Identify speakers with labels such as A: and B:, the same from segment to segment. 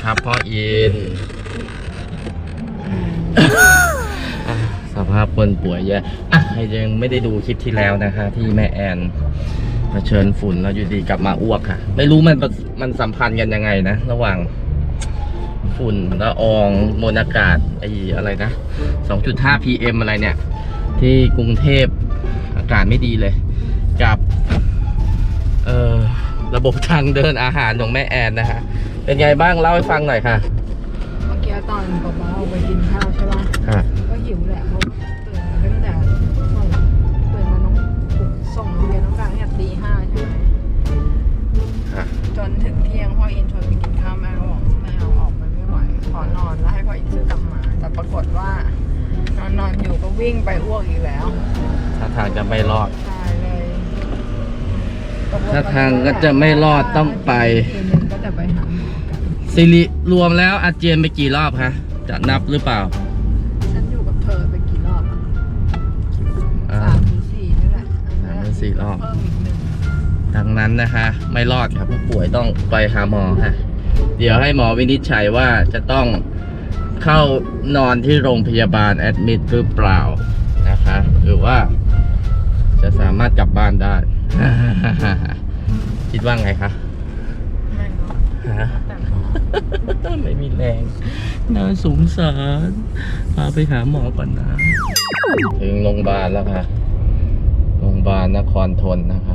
A: ครับพ่ออิน สภาพคนป่วยแย่ใครยังไม่ได้ดูคลิปที่แล้วนะคะ ที่แม่แอนเผชิญฝุ่นแล้วอยู่ดีกลับมาอ้วกค่ะ ไม่รู้มันสัมพันธ์กันยังไงนะระหว่างฝุ่นละอองมวลอากาศอะไรนะ 2.5 PM อะไรเนี่ยที่กรุงเทพอากาศไม่ดีเลยกับระบบทางเดินอาหารของแม่แอนนะคะเป็นไงบ้างเล่าให้ฟังหน่อยค่ะ
B: เมื่อกี้ตอนป๊าป๊าออกไปกินข้าวใช่ป่ะก็หิวแหละเพราะตื่นมาตั้งแต่ตื่นมาน้องส่งเรียนน้องกลางเนี่ยตี 5ใช่ไหมจนถึงเที่ยงพ่ออินชวนไปกินข้าวแม่ก็บอกไม่เอาออกไปไม่ไหวขอนอนแล้วให้พ่ออินซื้อกลับมาแต่ปรากฏว่านอนอยู่ก็วิ่งไปอ้วกอีกแล้ว
A: ถ้าทางจะไม่รอด
B: ใช่เลย
A: ถ้าทางก็จะไม่รอดต้องไป
B: ก็จะไปหาหมอกัน
A: สิริรวมแล้วอาเจียนไปกี่รอบคะจะนับหรือเปล่า
B: ฉันอยู่กับเธอไปกี่รอบ3-4นี่แหละ
A: 3-4 รอบ
B: เพิ่มอีก1
A: ดังนั้นนะคะไม่รอดครับผู้ป่วยต้องไปหาหมอค่ะเดี๋ยวให้หมอวินิจฉัยว่าจะต้องเข้านอนที่โรงพยาบาลแอดมิดหรือเปล่านะคะหรือว่าจะสามารถกลับบ้านได้ คิดว่าไงคะไม่มีแรงน่าสงสารพาไปหาหมอก่อนนะถึงโรงพยาบาลแล้วค่ะโรงพยาบาลนครทนนะคะ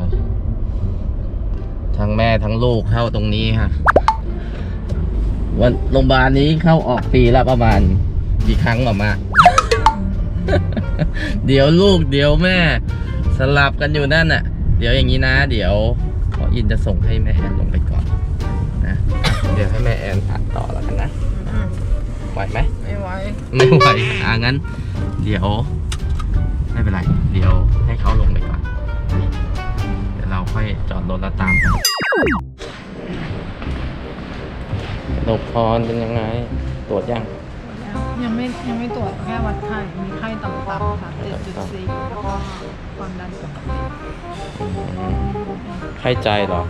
A: ทั้งแม่ทั้งลูกเข้าตรงนี้ค่ะวันโรงพยาบาลนี้เข้าออกปีละประมาณกี่ครั้งออกมา เดี๋ยวลูกเดี๋ยวแม่สลับกันอยู่นั่นน่ะเดี๋ยวอย่างนี้นะเดี๋ยวพ่ออินจะส่งให้แม่แอนลงไปก่อนนะเดี๋ยวให้แม่แอนอ่านต่อแล้วกันนะไหวไหม
B: ไม่ไหว
A: งั้นเดี๋ยวไม่เป็นไรเดี๋ยวให้เขาลงไปก่อนเดี๋ยวเราค่อยจอดรถแล้วตามไปนกพรเป็นยังไงตรวจยัง
B: ยังไม่ตรวจแค่วัดไข้มีไข้ต่ำค่ะ7.4แล้วก็ความดันปกติ
A: ไข้ใจเหรอ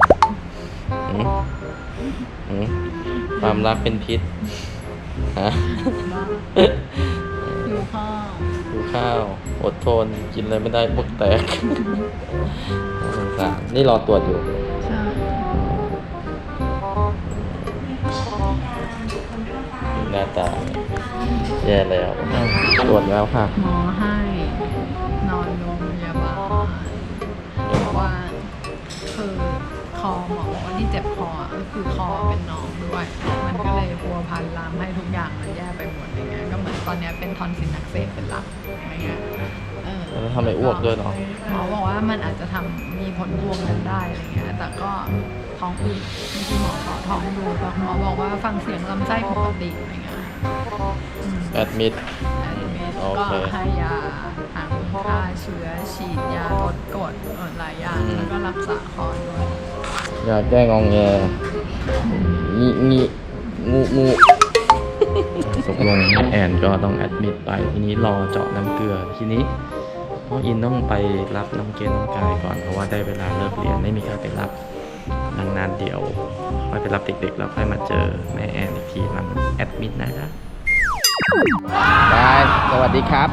A: ความรักเป็นพิษฮะ
B: หิว
A: ข้าวอดทนกินอะไรไม่ได้พวกแตกนี่รอตรวจอยู่
B: ใช่
A: หน้าตาแย่แล้วตรวจแล้วค่ะ
B: หมอให้นอนโรงพยาบาลเพราะว่าคือคอหมอบอกว่าที่เจ็บคอก็คือคอเป็นหนองด้วยมันก็เลยพัวพันลามให้ทุกอย่างมันแย่ไปหมดอย่างเงี้ยก็เหมือนตอนนี้เป็นทอนซิลอักเสบเป็นหลักอะไรเงี้ย
A: แล้วทำไมอ้วกด้วยเนาะ
B: หมอบอกว่ามันอาจจะมีผลพวงกันได้อะไรเงี้ยแต่ก็ท้องอืดที่หมอขอท้องดูแต่หมอบอกว่าฟังเสียงลำไส้ปกติอะไรเงี้ย
A: แอดมิด
B: ก็ให้ยาทั้งฆ่าเชื้อฉีดยาลดกรดหลายอย่างแล้วก็รักษาคอด้วย
A: ยาแก้งองแงงูตกลงแอนก็ต้องแอดมิดไปทีนี้รอเจาะน้ำเกลือทีนี้พ่ออินต้องไปรับน้องเกณฑ์น้องกายก่อนเพราะว่าได้เวลาเลิกเรียนไม่มีใครไปรับดังนั้นเดี๋ยวค่อยไปรับเด็กๆแล้วค่อยมาเจอแม่แอนอีกทีหลังแอดมิดนะครับยายสวัสดีครับ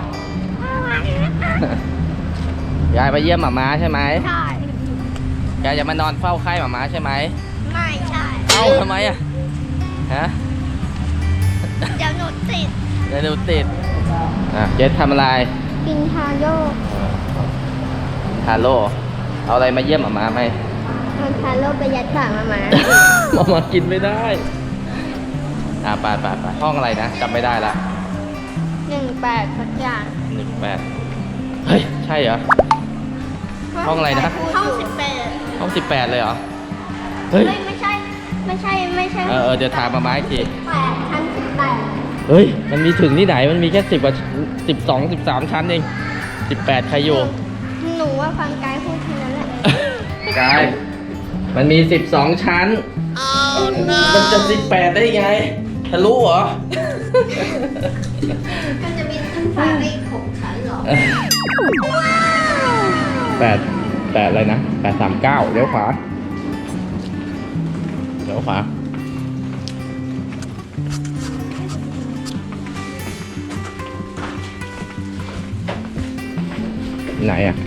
A: ยายไปเยี่ยมหม่าม้าใช่ไหม
C: ใช่
A: ยายจะมานอนเฝ้าไข้หม่าม้าใช่ไหม
C: ไม่ใช่
A: เอ้าทำไมอะฮะ
C: เดี๋ยวหนูติด
A: เจสทำอะไร
C: กินทาโร่
A: เอาอะไรมาเยี่ยมหม่าม้าไหม
C: เอาทาโร่ไปยัดปากหม่าม้
A: ากินไม่ได้ไปห้องอะไรนะจำไม่ได้ละ
C: 18สักอย่าง
A: 18เฮ้ยใช่เหรอห้องอะไรนะ
C: ห้อง
A: 18เลยเหรอเฮ้ย
C: ไม่ใช่
A: เดี๋ยวถามหม่าม้าอีกที
C: ชั้น18
A: เฮ้ยมันมีถึงที่ไหนมันมีแค่10 กว่า12 13 ชั้นเอง18ใครอยู่
C: หนูว่าฟังกายพูดทีนั้นแหละ
A: กายมันมี12 ชั้นมันจะ18ได้ไงทะลุเหรอ
C: มันจะมีขึ้นฟ้าได้6 ชั้นเหรอ
A: 8อะไรนะ839เลี้ยวขวาไหนอ่ะ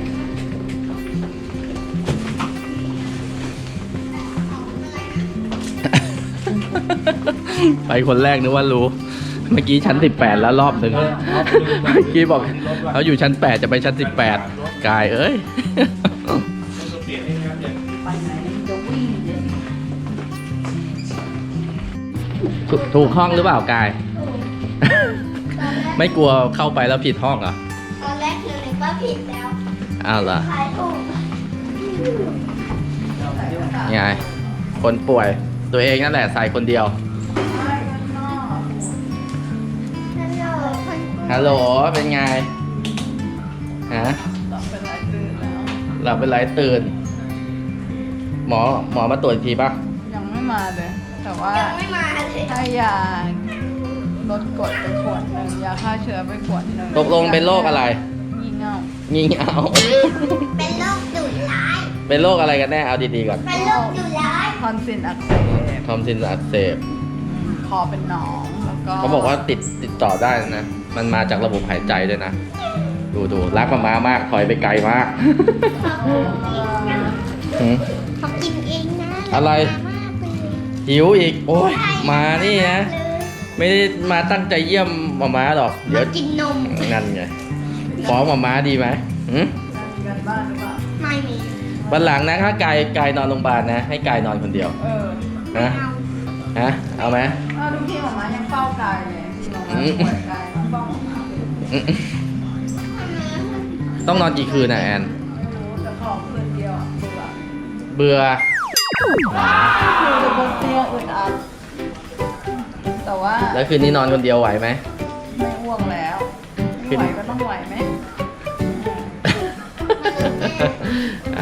A: ไปคนแรกนึกว่ารู้ เมื่อกี้ชั้น 18 แล้วรอบหนึ่งเมื่อกี้บอกเขาอยู่ชั้น 8 จะไปชั้น 18 กายเอ้ย ถูกห้องหรือเปล่ากาย ไม่กลัวเข้าไปแล้วผิดห้องเหรอ
C: ตอนแรกคือนึกว่าผิดแล้ว
A: อ้าวเหรอ
C: ทายถูก
A: ไง คนป่วย ตัวเองนั่นแหละใส่คนเดียว
C: ฮัลโหลคน
A: ฮัลโหล เป็นไง ฮะ หลับเป็นไรตื่น หมอมาตรวจอีกทีป่ะ
B: ยังไม่มาเลย แต่ว่า
C: ยังไม่มาเลย
B: ให้ยาลดกรดไปขวดหนึ่งยาฆ่าเชื้อไปขวดหนึ่ง
A: ตกลงเป็นโรคอะไร
B: งี่เง่า
A: งี่เง่า
C: เป็นโรคดุร้าย
A: เป็นโรคอะไรกันแน่ เอาดีๆก่อน
C: เป็นโรคดุร้าย
B: ทอนซิลอักเสบ
A: ทอมซินอักเสบ
B: คอเป็นหนองแล้วก็
A: เขาบอกว่าติดต่อได้นะ มันมาจากระบบหายใจด้วยนะ ดูรักมามาก ถอยไปไกลมาก หืม
C: เขากินเองนะ
A: อะไร
C: มากเลย
A: หิวอีก โอ้ย มานี่นะ ไม่ได้มาตั้งใจเยี่ยมหมาม้าหรอก เดี๋ยว
C: กินนม
A: นั่นไง ฟ้องหมาม้าดีไหมหืม
B: มีกันบ้านหรือเปล่า
C: ไม่มี
A: วันหลังนะถ้ากายนอนโรงพยาบาลนะ ให้กายนอนคนเดียว
B: เออ
A: นะ
C: เอา
A: ฮะ เอาไหม
B: อ้าวทุกที่หมอมายังเฝ้ากายเลยที่หมอมาป่วยกายต้องเฝ้าหมอมา
A: อืมต้องนอนกี่คืนนะแอน
B: ไม่รู้แต่ขอคืนเดียวอะเบื่อ
A: เบื่อ
B: คือจะบนเตียงอึดอัดแต่ว่า
A: แล้วคืนนี้นอนคนเดียวไหวไหม
B: ไม่อ้วกแล้วไม่ไหวก็ต้องไหวไหม
A: อ่ะ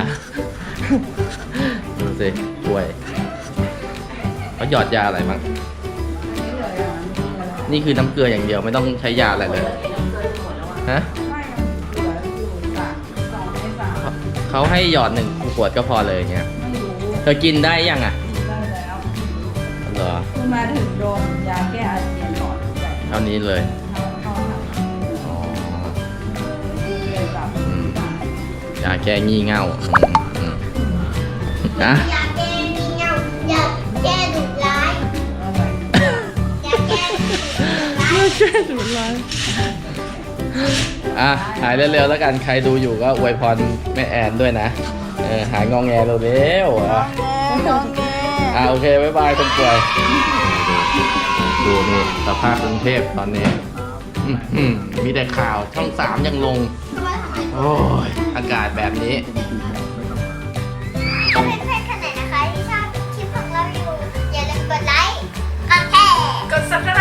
A: ดูสิป่วยเขาหยอดยาอะไรมั้ง
B: นี่เลยอ่ะนี่เลย
A: นี่คือน้ำเกลืออย่างเดียวไม่ต้องใช้ยาอะไรเลย ฮะ
B: ไม่มันเหลืออยู่2 ใน 3
A: เขาให้หยอด1 ขวดก็พอเลยอย่างเงี้ย
B: ไม่รู้
A: เธอกินได้ยังอ่ะ
B: ได้แล้ว
A: เหรอ
B: เพิ่งมาถึงโดนยาแก้อาเจียนหลอดใหญ่
A: เท่านี้เลย
B: เข้าหา
A: อ๋อ
B: เลยแบบ
A: อืมยาแก้งี่เง่าอืมนะ
C: อย่าแก้มีเงาอย่าแก้ดุร้าย
B: อะไร
C: อย่าแก้ดุร้าย
A: อ่ะหายเร็วๆแล้วกันใครดูอยู่ก็อวยพรแม่แอนด้วยนะหายงองแงเร็วๆอ่ะ
B: งอแง
A: โอเคบ๊ายบายคนป่วยดูนี่สภาพกรุงเทพตอนนี้มีแต่ข่าวช่อง 3ยังลง โอ้ยอากาศแบบนี้
C: ถ้าเพื่อนๆคนไหนนะคะที่ชอบคลิปของเราอยู่ อย่าลืมกดไลค์ กดแชร์
B: กด subscribe